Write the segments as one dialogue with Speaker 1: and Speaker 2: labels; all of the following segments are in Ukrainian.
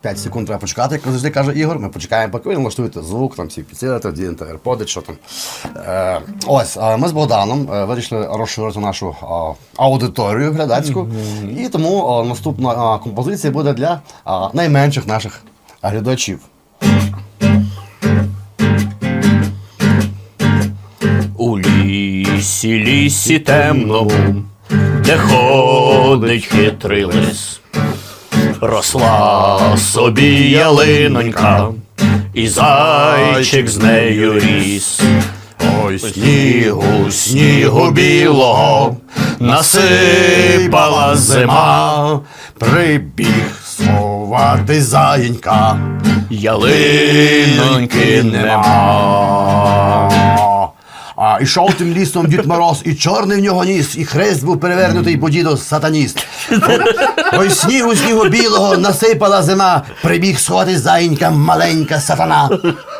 Speaker 1: 5 секунд треба почекати, як завжди каже Ігор. Ми почекаємо, поки ви налаштуєте звук, там всі підсилити, дінете AirPods, що там. Ось, ми з Богданом вирішили розширити нашу аудиторію глядацьку. І тому наступна композиція буде для найменших наших глядачів.
Speaker 2: У лісі темному, де ходить хитрий лис, росла собі ялинонька, і зайчик з нею ріс. Ой, снігу білого насипала зима,
Speaker 1: Прибіг сховати заєнька,
Speaker 2: ялиноньки нема.
Speaker 1: Ішов тим лісом Дід Мороз, і чорний в нього ніс, і хрест був перевернутий, бо дідо сатаніст. Ой, снігу білого насипала зима, прибіг сховати заєнька маленька сатана.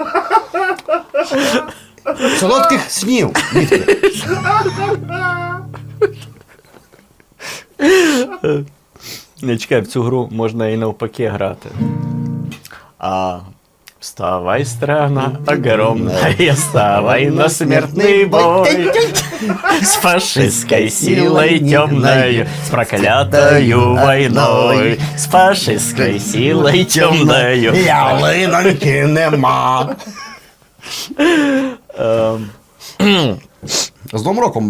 Speaker 1: Солодких снів, дітки.
Speaker 2: Не чекай, в цю гру можна і навпаки грати. Вставай, страна огромная, вставай на смертный бой с фашистской силой темной, с проклятою войной, с фашистской силой темною.
Speaker 1: Ялиноньки нема. З Новим роком.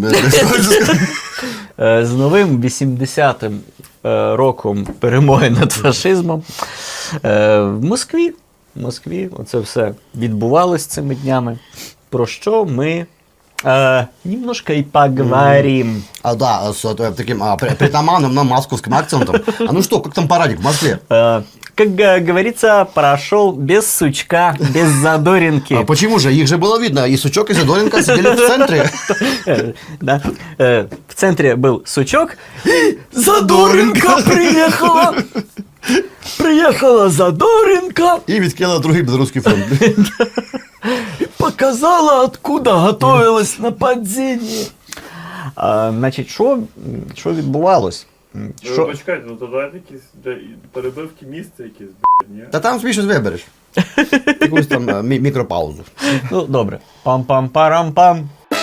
Speaker 2: З новим 80-м роком перемоги над фашизмом в Москві оце все відбувалось цими днями, про що ми немножко и поговорим.
Speaker 1: Да, с таким притаманным нам московским акцентом. Ну что, как там парадик в Москве?
Speaker 2: Как говорится, прошел без сучка, без задоринки.
Speaker 1: Почему же? Их же было видно. И сучок, и задоринка сидели в центре.
Speaker 2: Да. В центре был сучок, и задоринка приехала. Приехала Задоринка
Speaker 1: И відкинула другий белорусский фронт.
Speaker 2: и показала, откуда готовилось нападение. Значить, що відбувалось?
Speaker 3: Ну, почекайте, ну то давайте якісь перебивки місця якісь, ні?
Speaker 1: Та там собі щось вибереш. Якусь там мікропаузу.
Speaker 2: Ну, добре. Пам-пам-парам-пам.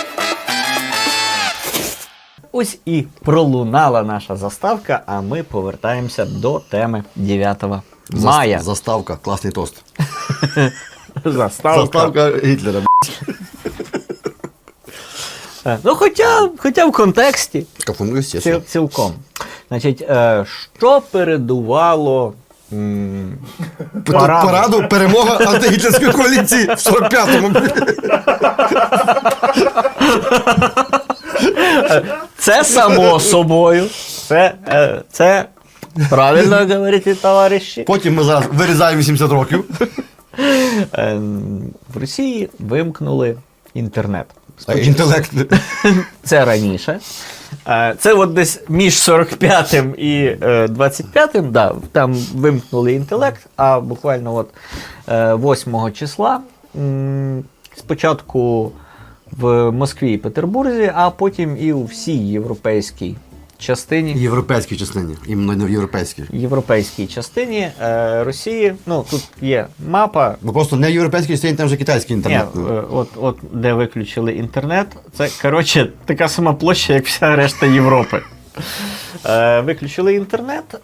Speaker 2: Ось і пролунала наша заставка, а ми повертаємося до теми 9 мая.
Speaker 1: Заставка, класний тост.
Speaker 2: Заставка
Speaker 1: Гітлера.
Speaker 2: Ну, хоча в контексті.
Speaker 1: Кафуну, естественно.
Speaker 2: Цілком. Значить, що передувало
Speaker 1: Параду перемога антигітлерської коаліції в 45-му.
Speaker 2: Це само собою. Це правильно говорите, товариші.
Speaker 1: Потім ми зараз вирізаємо 80 років.
Speaker 2: В Росії вимкнули інтернет.
Speaker 1: Інтелект.
Speaker 2: Це раніше. Це от десь між 45-м і 25-м, да, там вимкнули інтелект, а буквально от 8 числа спочатку в Москві і Петербурзі, а потім і у всій європейській частині.
Speaker 1: Європейській частині. Іменно не в європейській.
Speaker 2: Європейській частині Росії, ну тут є мапа.
Speaker 1: Бо просто не в європейській частині, там вже китайський інтернет.
Speaker 2: Ні, от де виключили інтернет, це, коротше, така сама площа, як вся решта Європи. Виключили інтернет.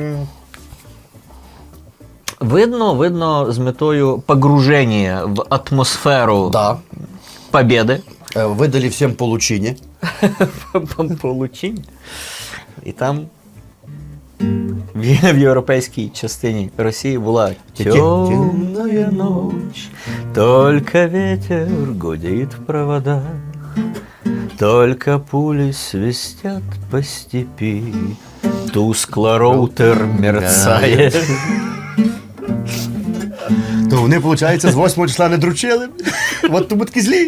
Speaker 2: Видно з метою погруження в атмосферу победи.
Speaker 1: Видали всім получині.
Speaker 2: Получіння. І там в європейській частині Росії була темная ночь, только ветер гудит в проводах, только пули свистят по степи, тускло роутер мерцает.
Speaker 1: То вони, виходить, з 8 числа не дручили. От тому такі злі.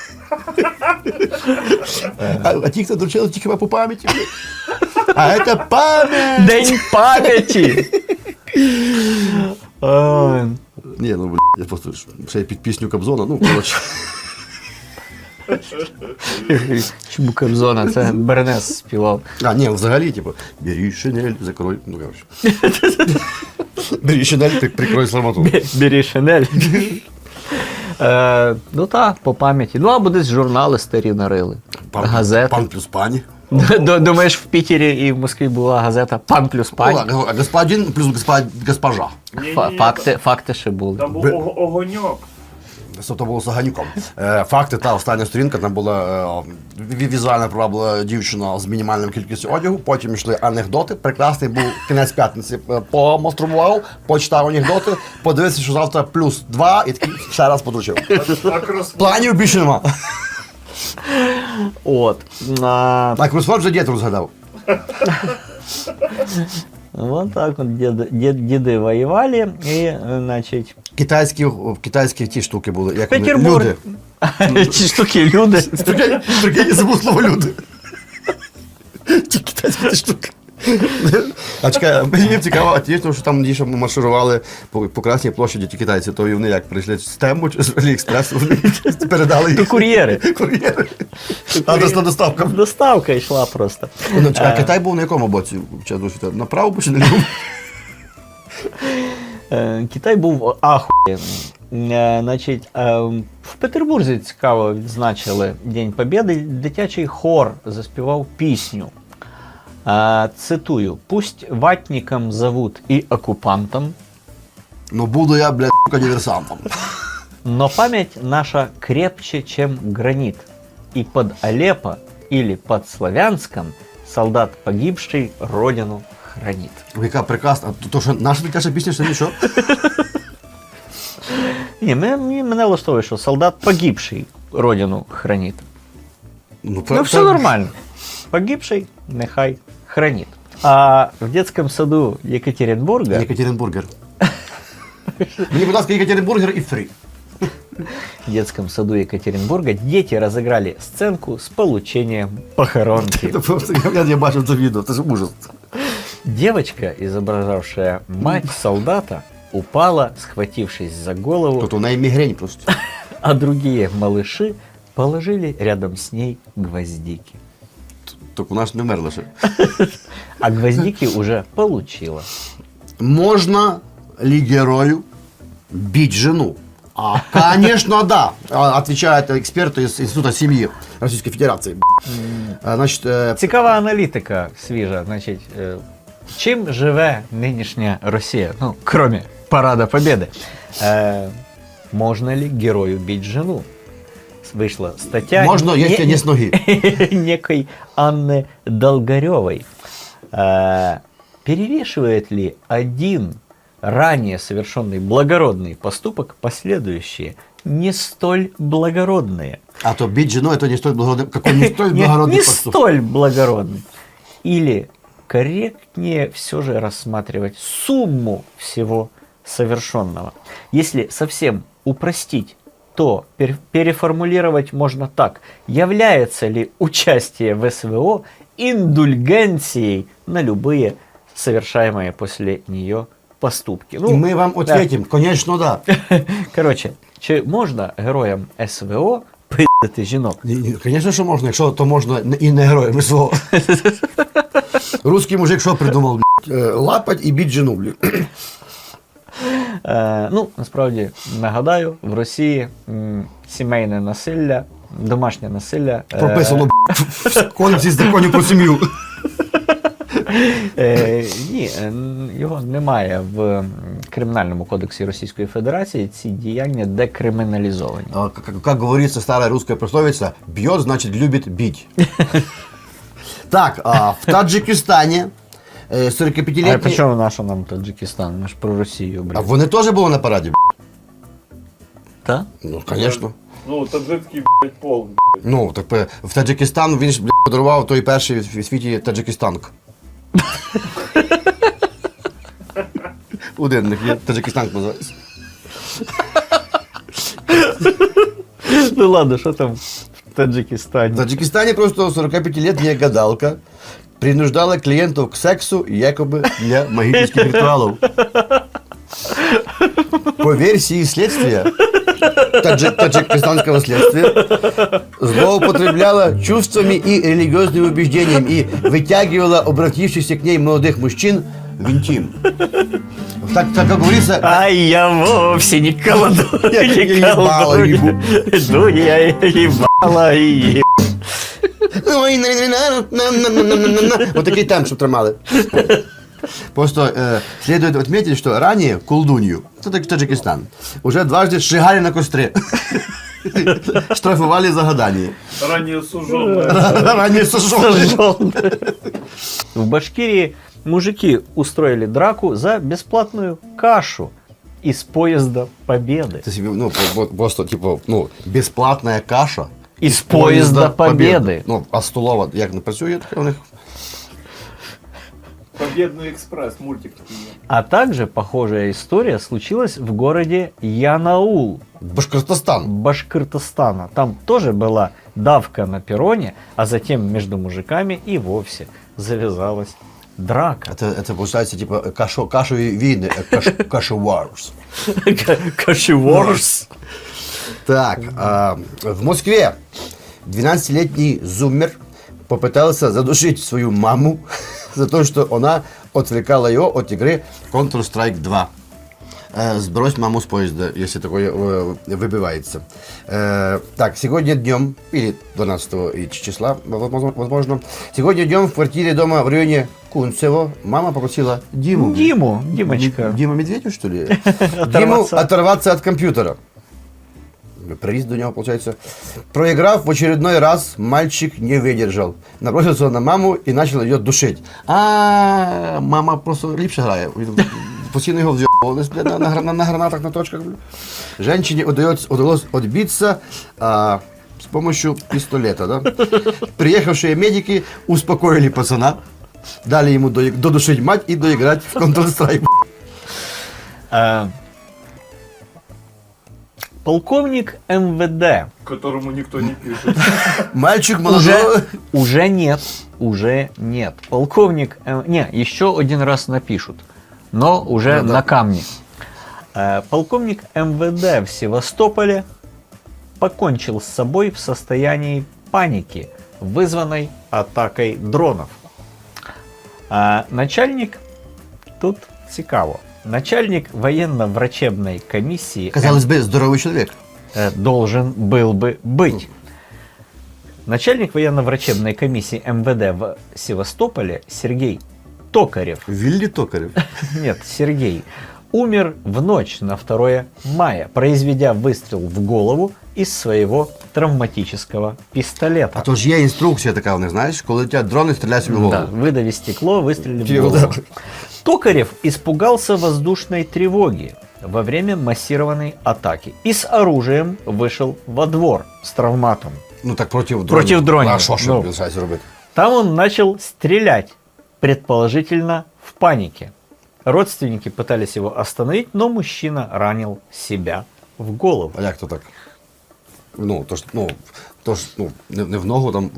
Speaker 1: А ті, хто дручили, тільки по пам'яті. А це пам'ять!
Speaker 2: День пам'яті!
Speaker 1: Ні, ну, я просто ще й під пісню Кобзона, ну, коротше.
Speaker 2: Чому Кобзона? Це Бернес співав.
Speaker 1: Ні, взагалі, типу, бери шинель, закрой, ну, коротше. Бери шинель, ти прикрой сламоту.
Speaker 2: Бери шинель. Ну так, по пам'яті. Ну або десь журнали старі нарили. Газети.
Speaker 1: Пан плюс пані.
Speaker 2: Думаєш, в Пітері і в Москві була газета «Пан плюс пані»?
Speaker 1: Господин плюс госпожа.
Speaker 3: Ні-ні-ні.
Speaker 2: Факти ще були.
Speaker 3: Там був огоньок.
Speaker 1: Це було з Аганюком. Факти, та остання сторінка, там була візуальна приваблива дівчина з мінімальною кількістю одягу, потім йшли анекдоти, прекрасний був кінець п'ятниці, помастрував, почитав анекдоти, подивився, що завтра плюс 2 і такий ще раз подручив. Планів більше нема.
Speaker 2: От.
Speaker 1: Так, кросфорд вже дід розгадав.
Speaker 2: Вот так вот деды воевали, и, значит...
Speaker 1: Китайські ті штуки були, як вони,
Speaker 2: Петербург.
Speaker 1: люди.
Speaker 2: Ті штуки люди.
Speaker 1: Прикинь, я забув слово люди. Ті китайські ті штуки. А чекай, мені цікаво, а ті, що там дійсно марширували по Красній площаді ті китайці, то і вони як прийшли з Тему чи з Аліекспрес, вони передали їх.
Speaker 2: То кур'єри.
Speaker 1: Кур'єри. Адресна доставка.
Speaker 2: Доставка йшла просто.
Speaker 1: Ну, чекай, а Китай був на якому боці? На правому чи на лівому?
Speaker 2: Китай був ахуєнний. Значить, в Петербурзі цікаво відзначили День Побєди. Дитячий хор заспівав пісню. Цитую: «Пусть ватником зовут и оккупантом,
Speaker 1: Ну буду я, блядь, диверсантом.
Speaker 2: но память наша крепче, чем гранит. И под Алеппо или под Славянском солдат погибший родину хранит».
Speaker 1: Яка прекрасна. То що наша дитяча пісня, що нічого?
Speaker 2: Ні, мене влаштовує, що солдат погибший родину хранит. Ну все нормально. Погибший нехай хранит. А в детском саду Екатеринбурга...
Speaker 1: Екатеринбургер. Мені, будь ласка, Екатеринбургер і фрі.
Speaker 2: В детском саду Екатеринбурга дети разыграли сценку с получением похоронки.
Speaker 1: Я бачив це відео, це ж ужас.
Speaker 2: Девочка, изображавшая мать солдата, упала, схватившись за голову,
Speaker 1: Тут у неї мігрень просто.
Speaker 2: а другие малыши положили рядом с ней гвоздики.
Speaker 1: Так у нас не вмерли ще.
Speaker 2: А гвоздики уже получила.
Speaker 1: Можно ли герою бить жену? Конечно, да, отвечает эксперт из Института семьи Российской Федерации. Значит,
Speaker 2: Цікава аналітика свіжа. Значить, чим живе нинішня Росія? Ну, кроме Парада Победы. Можно ли герою бить жену? Вышла статья
Speaker 1: можно, если не с ноги.
Speaker 2: некой Анны Долгаревой. Перевешивает ли один ранее совершенный благородный поступок последующие не столь благородные?
Speaker 1: А то бить жену, это не столь благородный, какой не столь благородный
Speaker 2: Не
Speaker 1: поступок.
Speaker 2: столь благородный. Или корректнее все же рассматривать сумму всего совершенного. Если совсем упростить, то переформулировать можно так. Является ли участие в СВО индульгенцией на любые совершаемые после нее поступки?
Speaker 1: И мы вам ответим, конечно, да.
Speaker 2: Короче, чи можна героям СВО пиздити жінок?
Speaker 1: Конечно, що можна, якщо то можна і не героям СВО. Русский мужик що придумав, блядь? Лапать і бить жену, блядь.
Speaker 2: Ну, насправді, нагадаю, в Росії сімейне насилля, домашнє насилля...
Speaker 1: Прописано, блядь, в Кодексі законів про сім'ю.
Speaker 2: Ні, його немає в Кримінальному кодексі Російської Федерації, ці діяння декриміналізовані.
Speaker 1: Как говорится старая русская пословица, бьет, значит, любит бить. Так, в Таджикистані 45-літній...
Speaker 2: А причому наша нам Таджикистан? Ми ж про Росію,
Speaker 1: А
Speaker 2: блядь.
Speaker 1: вони теж були на параді?
Speaker 2: Так?
Speaker 1: Ну, звісно.
Speaker 3: Ну, таджикський, блядь, пол, блядь.
Speaker 1: Ну, так в Таджикистан він ж, блядь, подарував той перший в світі Таджикистанк. Один них є, Таджикистанк називається.
Speaker 2: Ну ладно, що там в
Speaker 1: В
Speaker 2: Таджикистані?
Speaker 1: Таджикистане просто 45-летняя гадалка принуждала клиентов к сексу якобы для магических ритуалов. По версии следствия, таджикистанского следствия, злоупотребляла чувствами и религиозными убеждениями и вытягивала обратившихся к ней молодых мужчин винтим. Так как говорится,
Speaker 2: А я вовсе не колдун,
Speaker 1: Я
Speaker 2: не
Speaker 1: ебало
Speaker 2: колдун.
Speaker 1: ебу.
Speaker 2: Ну, я ебала и
Speaker 1: вот такий темп, щоб тримали. Просто следует отметить, что ранее колдунью, это Таджикистан, уже дважды сжигали на костре. Штрафовали за гадание.
Speaker 3: Ранее суженая.
Speaker 1: Ранее сожженные.
Speaker 2: сожжён. В Башкирии мужики устроили драку за бесплатную кашу из поезда Победы.
Speaker 1: Це собі, ну, просто, типу, ну, безплатна каша.
Speaker 2: Из поезда Победы.
Speaker 1: Ну, а столова як не працює, таке у них.
Speaker 3: Победный экспресс, мультик такой.
Speaker 2: А также похожая история случилась в городе Янаул,
Speaker 1: Башкортостан.
Speaker 2: Башкортостана. Там тоже была давка на перроне, а затем между мужиками и вовсе завязалась драка.
Speaker 1: Это получается, типа, кашові війни, кашеварс.
Speaker 2: Кашеворс.
Speaker 1: Так, в Москве 12-летний зуммер попытался задушить свою маму за то, что она отвлекала его от игры Counter-Strike 2. Сбрось маму с поезда, если такое выбивается. Так, сегодня днем, или 12 числа, возможно, сегодня днем в квартире дома в районе Кунцево мама попросила
Speaker 2: Димочка.
Speaker 1: Дима Медведев, что ли? Диму оторваться от компьютера. Приз до него, получается. Проиграв в очередной раз, мальчик не выдержал. Набросился на маму и начал ее душить. А мама просто ліпше грає. Постійно його вз'єбували на гранатах, на точках. Женщине удалось отбиться с помощью пистолета. Да? Приехавшие медики успокоили пацана, дали ему додушить мать и доиграть в Counter-Strike.
Speaker 2: Полковник МВД.
Speaker 3: Которому никто не пишет.
Speaker 1: Мальчик молодой.
Speaker 2: Уже нет. Полковник... Не, еще один раз напишут, но уже
Speaker 1: Ну да.
Speaker 2: на камне. Полковник МВД в Севастополе покончил с собой в состоянии паники, вызванной атакой дронов. Начальник... Тут цікаво. Начальник военно-врачебной комиссии
Speaker 1: Казалось бы, здоровый человек.
Speaker 2: должен был бы быть. Начальник военно-врачебной комиссии МВД в Севастополе Сергей Токарев,
Speaker 1: Вилли Токарев.
Speaker 2: нет, Сергей, умер в ночь на 2 мая, произведя выстрел в голову из своего травматического пистолета.
Speaker 1: А то ж є інструкція така, не знаєш, коли летять дрони, стріляй собі в голову.
Speaker 2: Да, выдави стекло, выстрели в
Speaker 1: Чего,
Speaker 2: голову.
Speaker 1: да.
Speaker 2: Токарев испугался воздушной тревоги во время массированной атаки и с оружием вышел во двор с травматом.
Speaker 1: Ну так проти дронів.
Speaker 2: Проти дронів.
Speaker 1: А що
Speaker 2: Ну.
Speaker 1: він збирається робити?
Speaker 2: Там он начал стрелять, предположительно в панике. Родственники пытались его остановить, но мужчина ранил себя в голову.
Speaker 1: А як то так? Ну, то ж, не в ногу там.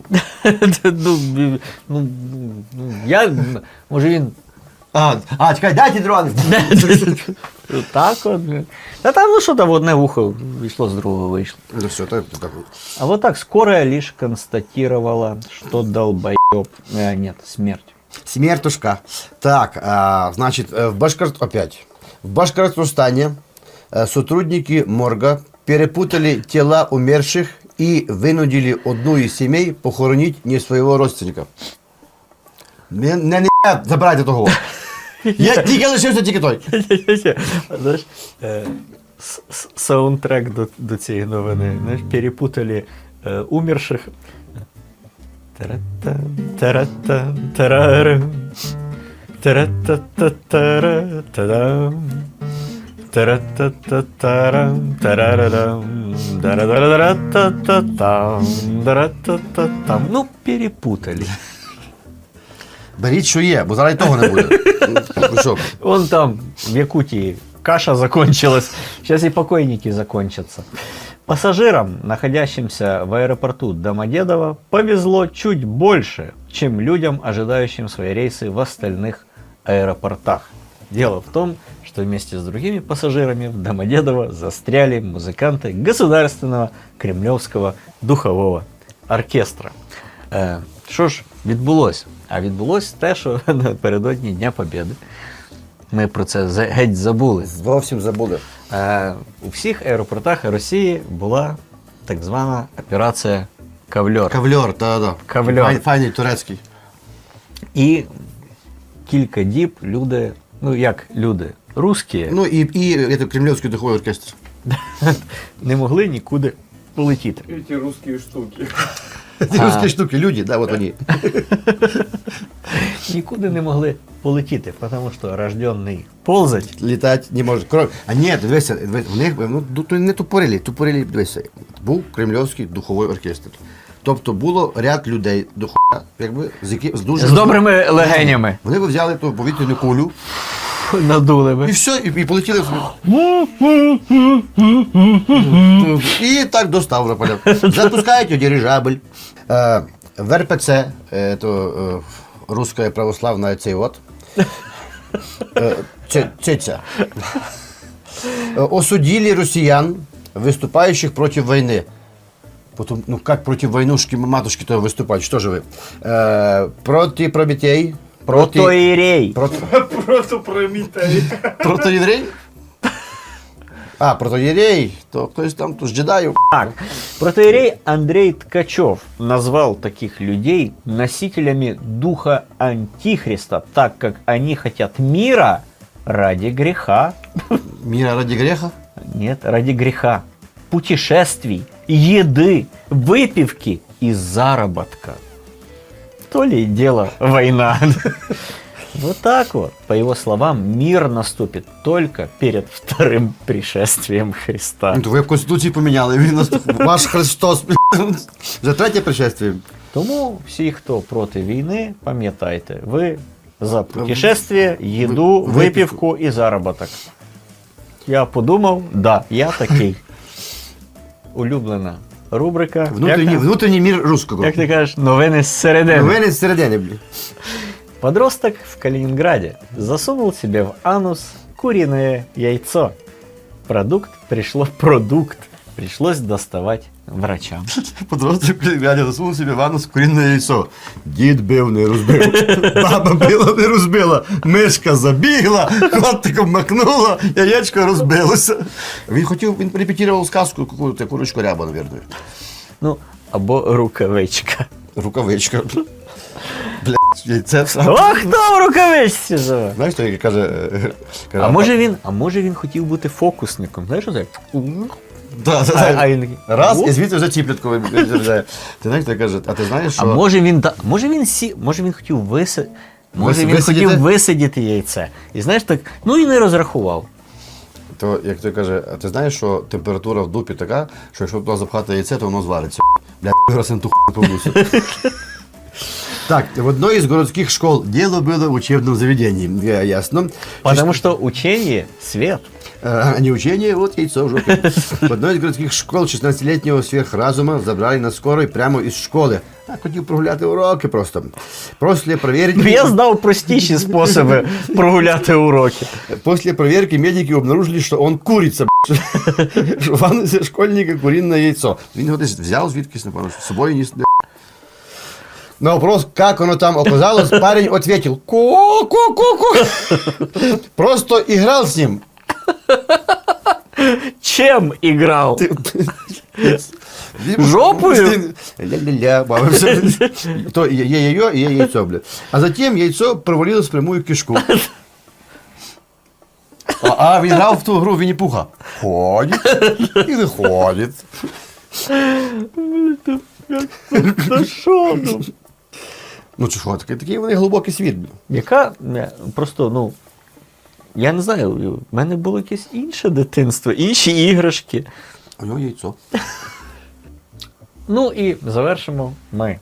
Speaker 2: Я, може він
Speaker 1: Чекай, дайте дрони!
Speaker 2: так от. Та там, ну що там, одне вухо вийшло, з другого вийшло.
Speaker 1: Ну все, так.
Speaker 2: А вот так скорая лишь констатировала, что долбоеб... нет, смерть.
Speaker 1: Смертушка. Так, значит, в Башкортостане сотрудники морга перепутали тела умерших и вынудили одну из семей похоронить не своего родственника. Не забирайте того. Я тільки лишився тільки той.
Speaker 2: Знаєш, саундтрек до цієї новини. Знаєш, перепутали умерших. Та-ра-та, та-ра-та, та-ра-рам. Та-ра-та-та-та-ра, та-дам. Та-ра-та-та-та-рам, та-ра-ра-рам. Да-ра-да-ра-та-та-там, да-ра-та-та-там. Ну, перепутали.
Speaker 1: Беріть, що є, бо зараз і того не буде. Ну, що?
Speaker 2: Вон там, в Якутии, каша закончилась. Сейчас и покойники закончатся. Пассажирам, находящимся в аэропорту Домодедово, повезло чуть больше, чем людям, ожидающим свои рейсы в остальных аэропортах. Дело в том, что вместе с другими пассажирами в Домодедово застряли музыканты Государственного Кремлевского духового оркестра. Що ж відбулося? А відбулося те, що напередодні Дня Побєди. Ми про це геть забули.
Speaker 1: Зовсім забули.
Speaker 2: У всіх аеропортах Росії була так звана операція «Кавльор».
Speaker 1: Кавльор, так.
Speaker 2: Кавльор.
Speaker 1: Файний турецький.
Speaker 2: І кілька діб люди, ну як люди, русські,
Speaker 1: Ну і Кремлівський духовий оркестр.
Speaker 2: не могли нікуди полетіти.
Speaker 3: І ті русські штуки.
Speaker 1: Ці русські штуки, люди, да, от вони.
Speaker 2: Нікуди не могли полетіти, тому що рожденний ползать.
Speaker 1: Літати не може. А ні, дивися, в них не тупорилі, дивися. Був Кремлівський духовий оркестр. Тобто було ряд людей до хуя, якби, з дуже...
Speaker 2: З добрими легенями.
Speaker 1: Вони би взяли ту повітряну кулю,
Speaker 2: Надули
Speaker 1: і
Speaker 2: би.
Speaker 1: все, і полетіли собі. І так до Ставрополя. Запускають дирижабль. В РПЦ, то Русская православная цей вот, цеця, осудили россиян, выступающих против войны. Потом, ну как против войнушки, матушки-то выступать, что же вы? Против пробитей.
Speaker 2: Протоїрей.
Speaker 3: Просто Прометей.
Speaker 1: Протоєврей? А, протоєрей, то хтось там, то ж джедаїв.
Speaker 2: Так, протоиерей Андрей Ткачев назвал таких людей носителями духа Антихриста, так как они хотят мира ради греха.
Speaker 1: Мира ради греха?
Speaker 2: Нет, ради греха. Путешествий, еды, выпивки и заработка. То ли дело война. Вот так вот, по его словам, мир наступит только перед вторым пришествием Христа.
Speaker 1: Ну, то ви в Конституції поміняли, він нас ваш Христос за третє пришествие.
Speaker 2: Тому всі, хто проти війни, пам'ятайте, ви за путешествие, їду, випівку і заробіток. Я подумав, да, я такий. Улюблена рубрика.
Speaker 1: Внутрішній мір русского.
Speaker 2: Як ти кажеш, новини зсередини.
Speaker 1: Новини з середини, блін.
Speaker 2: Подросток в Калининграде засунул себе в анус куриное яйцо. Продукт пришлось доставать врачам.
Speaker 1: Подросток глядя засунув собі в анус курінне яйцо. Дід бив, не розбив. Баба била, не розбила. Мишка забігла, котиком макнула, яєчко розбилося. Він репетував сказку, курочку ряба, мабуть.
Speaker 2: Ну, або рукавичка.
Speaker 1: Рукавичка. Блядь, яйце все.
Speaker 2: О, хто в рукавичці живе?
Speaker 1: Знаєш, що як каже...
Speaker 2: А може він хотів бути фокусником? Знаєш, що це?
Speaker 1: Да.
Speaker 2: А він такий,
Speaker 1: Раз,
Speaker 2: «Оп».
Speaker 1: і звідти вже ціплятку виїжджає. Ти знаєш, що каже, а ти знаєш, що...
Speaker 2: А може він хотів висидіти яйце. І знаєш так, ну і не розрахував.
Speaker 1: То, як той каже, а ти знаєш, що температура в дупі така, що якщо туди запхати яйце, то воно звариться. Бля, раз на ту хуйню повнуся. Так, в одной из городских школ дело было в учебном заведении, ясно.
Speaker 2: Потому что учение – свет.
Speaker 1: А не учение, вот яйцо в жопе. В одной из городских школ 16-летнего сверхразума забрали на скорой прямо из школи. А хотів прогуляти уроки просто. После проверки...
Speaker 2: Я знав простіші способи прогуляти уроки.
Speaker 1: После проверки медики обнаружили, что он курица, что в анусе школьника куриное яйцо. Він його десь взяв звідкись, напевно, з собою ніс. На вопрос, как оно там оказалось, парень ответил: ку-ку-ку-ку. Просто играл с ним.
Speaker 2: Чем играл? Жопою?
Speaker 1: Ля-ля-ля, бавився. То є яйцо і є яйцо, блядь. А затем яйцо провалилось в прямую кишку. А він грав в ту гру Вінні-Пуха. Ходить і виходить.
Speaker 2: Та що?
Speaker 1: Ну чи що, такий вони глибокий світ.
Speaker 2: Яка, просто, ну, я не знаю, в мене було якесь інше дитинство, інші іграшки.
Speaker 1: У нього яйцо.
Speaker 2: Ну і завершимо ми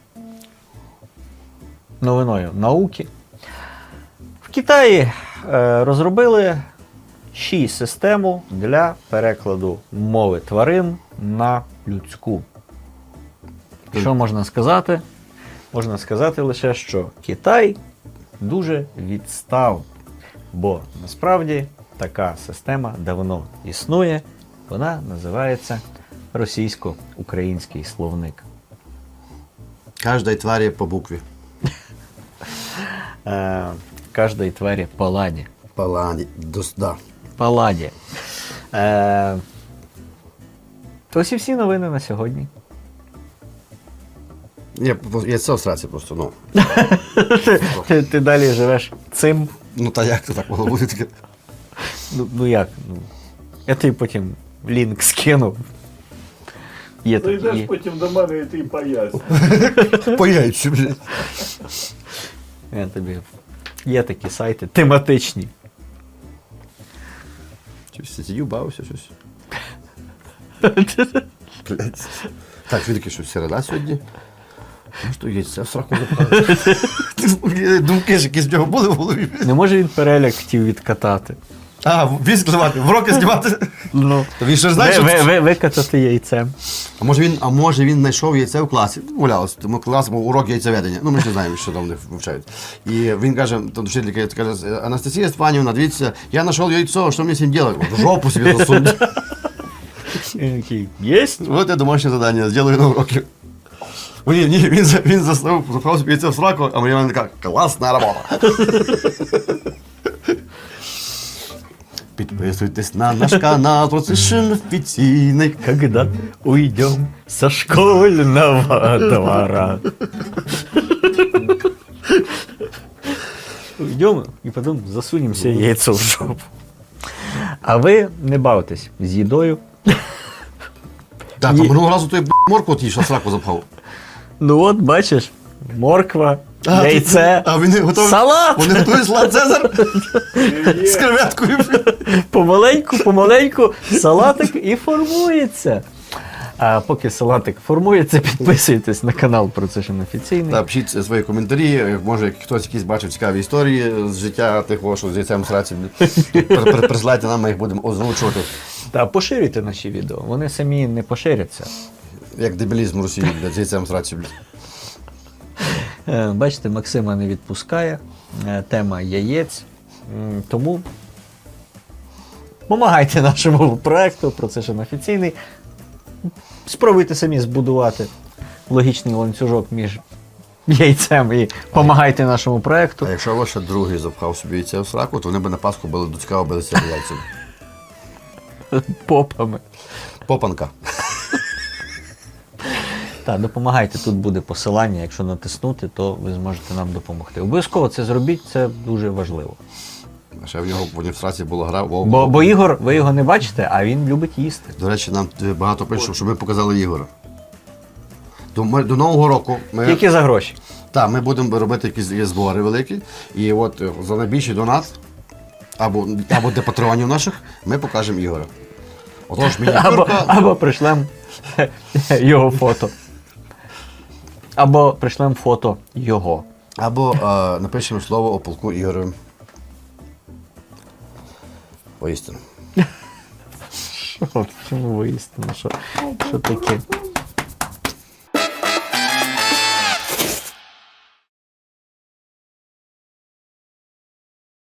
Speaker 2: новиною науки. В Китаї розробили 6 систему для перекладу мови тварин на людську. Що можна сказати? Можна сказати лише, що Китай дуже відстав, бо насправді така система давно існує, вона називається російсько-український словник.
Speaker 1: Кожній тварі по букві.
Speaker 2: Каждой твари по ладе.
Speaker 1: Паладі. Да.
Speaker 2: По ладі. Ось і всі новини на сьогодні.
Speaker 1: Я це в сраці просто, ну.
Speaker 2: Ти далі живеш цим.
Speaker 1: Ну та як це так могло бути таке?
Speaker 2: Ну як? Ну, я тобі потім лінк скинув. Є
Speaker 3: Зайдеш
Speaker 2: такі.
Speaker 3: потім до мене і ти поясню.
Speaker 1: По яйцю, блядь.
Speaker 2: Я тобі. Є такі сайти тематичні.
Speaker 1: Щось сидів, бавився, щось. Блядь. Так, він такий, що середа сьогодні. Ну що, яйця в сраку запхали. Думки ж якісь в нього були в голові.
Speaker 2: Не може він переляк хотів відкатати.
Speaker 1: А, віз знімати, в роки знімати.
Speaker 2: Ну,
Speaker 1: Він ще ж знає, що...
Speaker 2: викатати яйцем.
Speaker 1: А може він знайшов яйце в класі, гулялося, тому клас був урок яйцеведення. Ну, ми ж не знаємо, що там вони вивчають. І він каже, там вчителька каже, Анастасія Степанівна, дивіться, я знайшов яйцо, що мені з ним робити? В жопу собі засунуть.
Speaker 2: Він такий, єсть?
Speaker 1: Вот я домашнє завдання, зроблю на уроки. Ні, він запхав собі яйце в сраку, а мені така, класна робота. Підписуйтесь на наш канал, ProCession офіційний.
Speaker 2: Когда уйдем со школьного двора. Уйдем и потом засунем себе яйцо в жопу. А ви не бавтесь з їдою.
Speaker 1: Так, а минулого разу той моркву от їж, а сраку запхав.
Speaker 2: Ну от, бачиш, морква, яйце,
Speaker 1: А вони готові.
Speaker 2: салат.
Speaker 1: Вони готують салат Цезар з креветкою.
Speaker 2: Помаленьку салатик і формується. А поки салатик формується, підписуйтесь на канал ProCession офіційний.
Speaker 1: Та пишіть свої коментарі, може хтось якісь бачив цікаві історії з життя тих, що з яйцем в сраці. Присилайте нам, ми їх будемо озвучувати.
Speaker 2: Та поширюйте наші відео, вони самі не поширяться.
Speaker 1: Як дебілізм в Росії, блядь, з яйцем в сраці.
Speaker 2: Бачите, Максима не відпускає. Тема яєць. Тому допомагайте нашому проекту, ProCession офіційний. Спробуйте самі збудувати логічний ланцюжок між яйцем і допомагайте нашому проекту.
Speaker 1: А якщо ваш другий запхав собі яйце в сраку, то вони б на Пасху були до цікаво билися яйцями.
Speaker 2: Попами.
Speaker 1: Попанка.
Speaker 2: Так, допомагайте, тут буде посилання, якщо натиснути, то ви зможете нам допомогти. Обов'язково це зробіть, це дуже важливо.
Speaker 1: А ще в нього в сраці була гра.
Speaker 2: Бо Ігор, ви його не бачите, а він любить їсти.
Speaker 1: До речі, нам багато пишуть, щоб ми показали Ігора. До Нового року
Speaker 2: Тільки за гроші.
Speaker 1: Так, ми будемо робити якісь збори великі. І от за найбільший донат, або для патронів наших, ми покажемо Ігора. Отож, мініатюрка.
Speaker 2: Або пришлем його фото. Або пришлем фото його.
Speaker 1: Або напишемо слово о полку Ігоровим. Поістину.
Speaker 2: Чому виїстину? Що таке?